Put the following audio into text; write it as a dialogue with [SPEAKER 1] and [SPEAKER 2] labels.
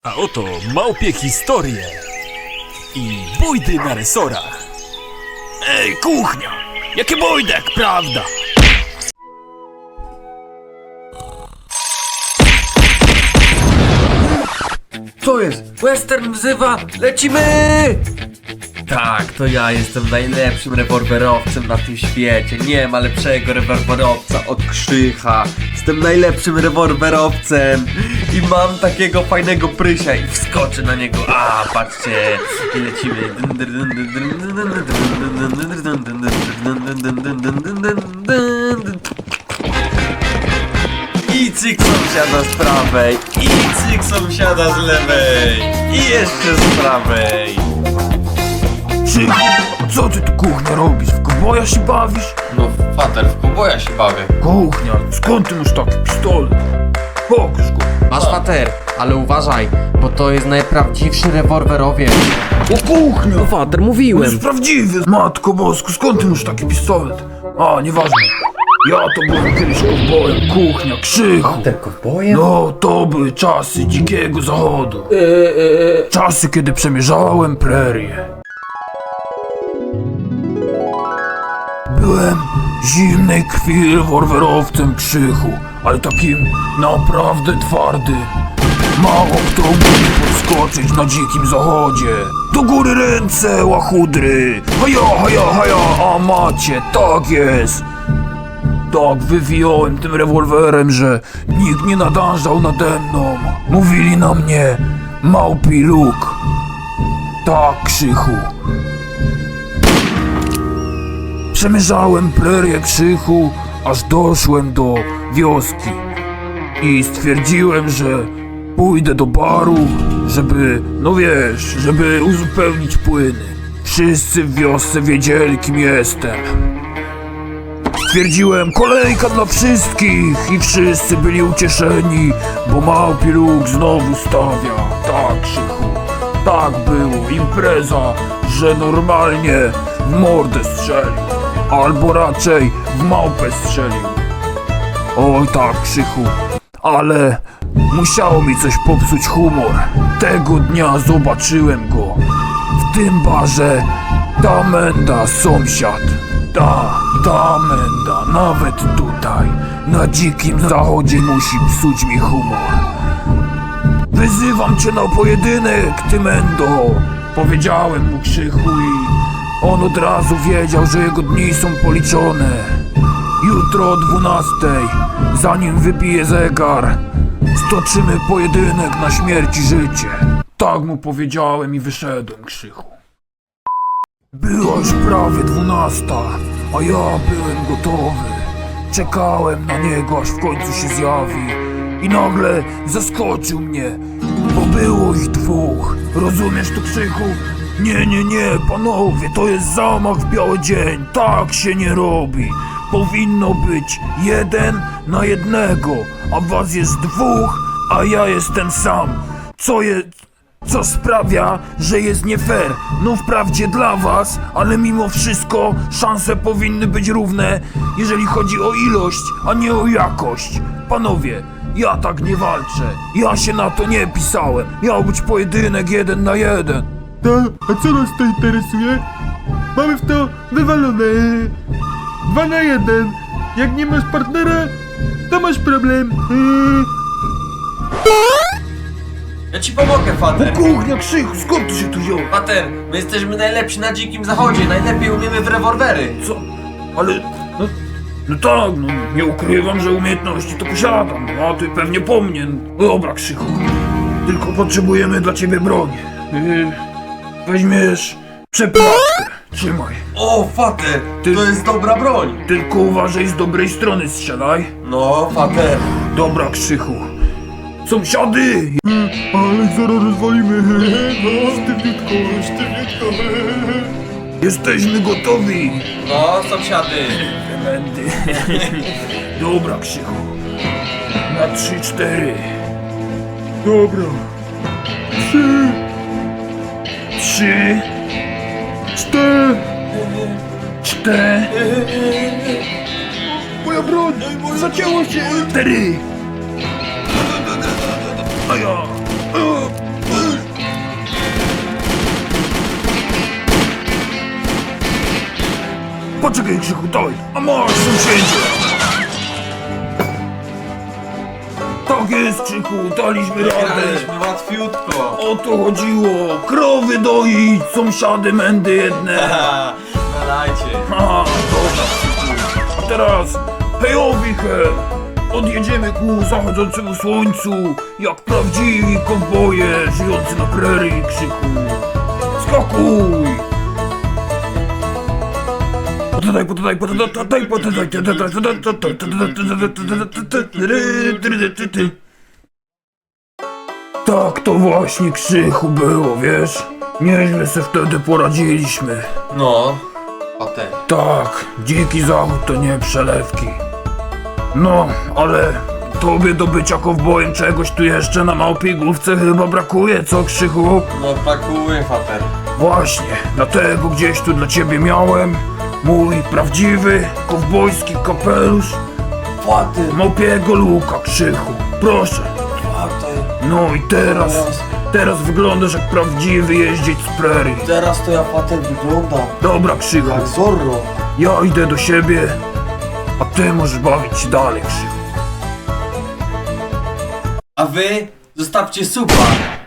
[SPEAKER 1] A oto małpie historie i bójdy na resorach. Ej, kuchnia! Jakie bójdek, prawda?
[SPEAKER 2] Co jest? Western wzywa! Lecimy! Tak, to ja jestem najlepszym rewolwerowcem na tym świecie. Nie ma lepszego rewolwerowca od Krzycha. Jestem najlepszym rewolwerowcem i mam takiego fajnego prysia i wskoczę na niego. A, patrzcie, i lecimy. I cyk sąsiada z prawej, i cyk sąsiada z lewej, i jeszcze z prawej.
[SPEAKER 1] Co ty tu, kuchnia, robisz? W kowboja się bawisz?
[SPEAKER 2] No fater, w kowboja się bawię.
[SPEAKER 1] Kuchnia, skąd ty masz taki pistolet? Pokaż go.
[SPEAKER 3] Masz fater, ale uważaj, bo to jest najprawdziwszy rewolwerowiec.
[SPEAKER 1] O, kuchnia!
[SPEAKER 3] No fater,
[SPEAKER 1] On
[SPEAKER 3] mówiłem.
[SPEAKER 1] jest prawdziwy! Matko bosku, skąd ty masz taki pistolet? A, nieważne. Ja to byłem kiedyś kowbojem, kuchnia, Krzychu.
[SPEAKER 3] Kowbojem?
[SPEAKER 1] No, to były czasy dzikiego zachodu. Czasy, kiedy przemierzałem prerię. Byłem zimnej krwi rewolwerowcem, Krzychu, ale takim naprawdę twardym. Mało kto mógł podskoczyć na dzikim zachodzie. Do góry ręce, łachudry! Haja, haja, a macie, tak jest! Tak wywijałem tym rewolwerem, że nikt nie nadążał nade mną. Mówili na mnie małpi luk. Tak, Krzychu. Przemierzałem prerię, Krzychu, aż doszłem do wioski. I stwierdziłem, że pójdę do baru, żeby, no wiesz, żeby uzupełnić płyny. Wszyscy w wiosce wiedzieli, kim jestem. Stwierdziłem, kolejka dla wszystkich i wszyscy byli ucieszeni, bo małpi luk znowu stawia. Tak, Krzychu, tak było, impreza, że normalnie w mordę strzelił, albo raczej w małpę strzelił. Oj tak, Krzychu, ale musiało mi coś popsuć humor. Tego dnia zobaczyłem go w tym barze. Ta menda, sąsiad. Ta menda, nawet tutaj, na dzikim zachodzie musi psuć mi humor. Wyzywam cię na pojedynek, ty mendo. Powiedziałem mu, Krzychu, i on od razu wiedział, że jego dni są policzone. Jutro o 12, zanim wybije zegar, stoczymy pojedynek na śmierć i życie. Tak mu powiedziałem i wyszedłem, Krzychu. Była już prawie 12, a ja byłem gotowy. Czekałem na niego, aż w końcu się zjawi. I nagle zaskoczył mnie, bo było ich dwóch. Rozumiesz to, Krzychu? Nie, panowie, to jest zamach w biały dzień. Tak się nie robi. Powinno być 1 na 1, a was jest 2, a ja jestem sam. Co sprawia, że jest nie fair. No wprawdzie dla was, ale mimo wszystko szanse powinny być równe, jeżeli chodzi o ilość, a nie o jakość. Panowie, ja tak nie walczę. Ja się na to nie pisałem. Miał być pojedynek 1 na 1.
[SPEAKER 4] A co nas to interesuje? Mamy w to wywalone. 2 na 1. Jak nie masz partnera, to masz problem.
[SPEAKER 2] Ja ci pomogę, fater.
[SPEAKER 1] Kuchnia, Krzychu, skąd ty się tu wziął?
[SPEAKER 2] Fater, my jesteśmy najlepsi na dzikim zachodzie, najlepiej umiemy w rewolwery.
[SPEAKER 1] Co? Ale... No tak, no nie ukrywam, że umiejętności to posiadam, no a ty pewnie po mnie. No dobra, Krzychu, tylko potrzebujemy dla ciebie broń. Weźmiesz przepłatkę, trzymaj.
[SPEAKER 2] O, fater, to jest dobra broń.
[SPEAKER 1] Tylko uważaj, z dobrej strony strzelaj.
[SPEAKER 2] No, fater.
[SPEAKER 1] Dobra, Krzychu. Sąsiady!
[SPEAKER 4] Ale zaraz rozwalimy. Sztywniutko.
[SPEAKER 1] Jesteśmy gotowi.
[SPEAKER 2] No, sąsiady.
[SPEAKER 1] Będę. Dobra, Krzychu. Na 3-4.
[SPEAKER 4] Dobra.
[SPEAKER 1] 3,
[SPEAKER 4] 4.
[SPEAKER 1] 4,
[SPEAKER 4] Moja broń. Zacięło się.
[SPEAKER 1] 4. A ja. Czekaj, Krzychu, daj! A masz, sąsiedzie! Tak jest, Krzychu, daliśmy radę!
[SPEAKER 2] łatwiutko.
[SPEAKER 1] O to chodziło! Krowy doić, sąsiady mędy jedne!
[SPEAKER 2] Dajcie.
[SPEAKER 1] Ha, dobra, Krzychu. A teraz, hejowi he! Odjedziemy ku zachodzącemu słońcu, jak prawdziwi kowboje żyjący na prerii, Krzychu! Skakuj! Tak to właśnie, Krzychu, było, wiesz? Nieźle se wtedy poradziliśmy.
[SPEAKER 2] No. Potem.
[SPEAKER 1] Tak, dziki zachód to nie przelewki. No, ale tobie do bycia kowbojem czegoś tu jeszcze na małpiej główce chyba brakuje, co, Krzychu?
[SPEAKER 2] No brakuje, fater.
[SPEAKER 1] Właśnie, dlatego gdzieś tu dla ciebie miałem mój prawdziwy kowbojski kapelusz
[SPEAKER 2] Fater.
[SPEAKER 1] małpiego luka, Krzychu. Proszę.
[SPEAKER 2] Fater.
[SPEAKER 1] No i teraz wyglądasz jak prawdziwy jeździec z prerii.
[SPEAKER 2] Teraz to ja, fater, wyglądam
[SPEAKER 1] Dobra, Krzychu,
[SPEAKER 2] jak Zorro.
[SPEAKER 1] ja idę do siebie, a ty możesz bawić się dalej, Krzychu.
[SPEAKER 2] A wy zostawcie suba.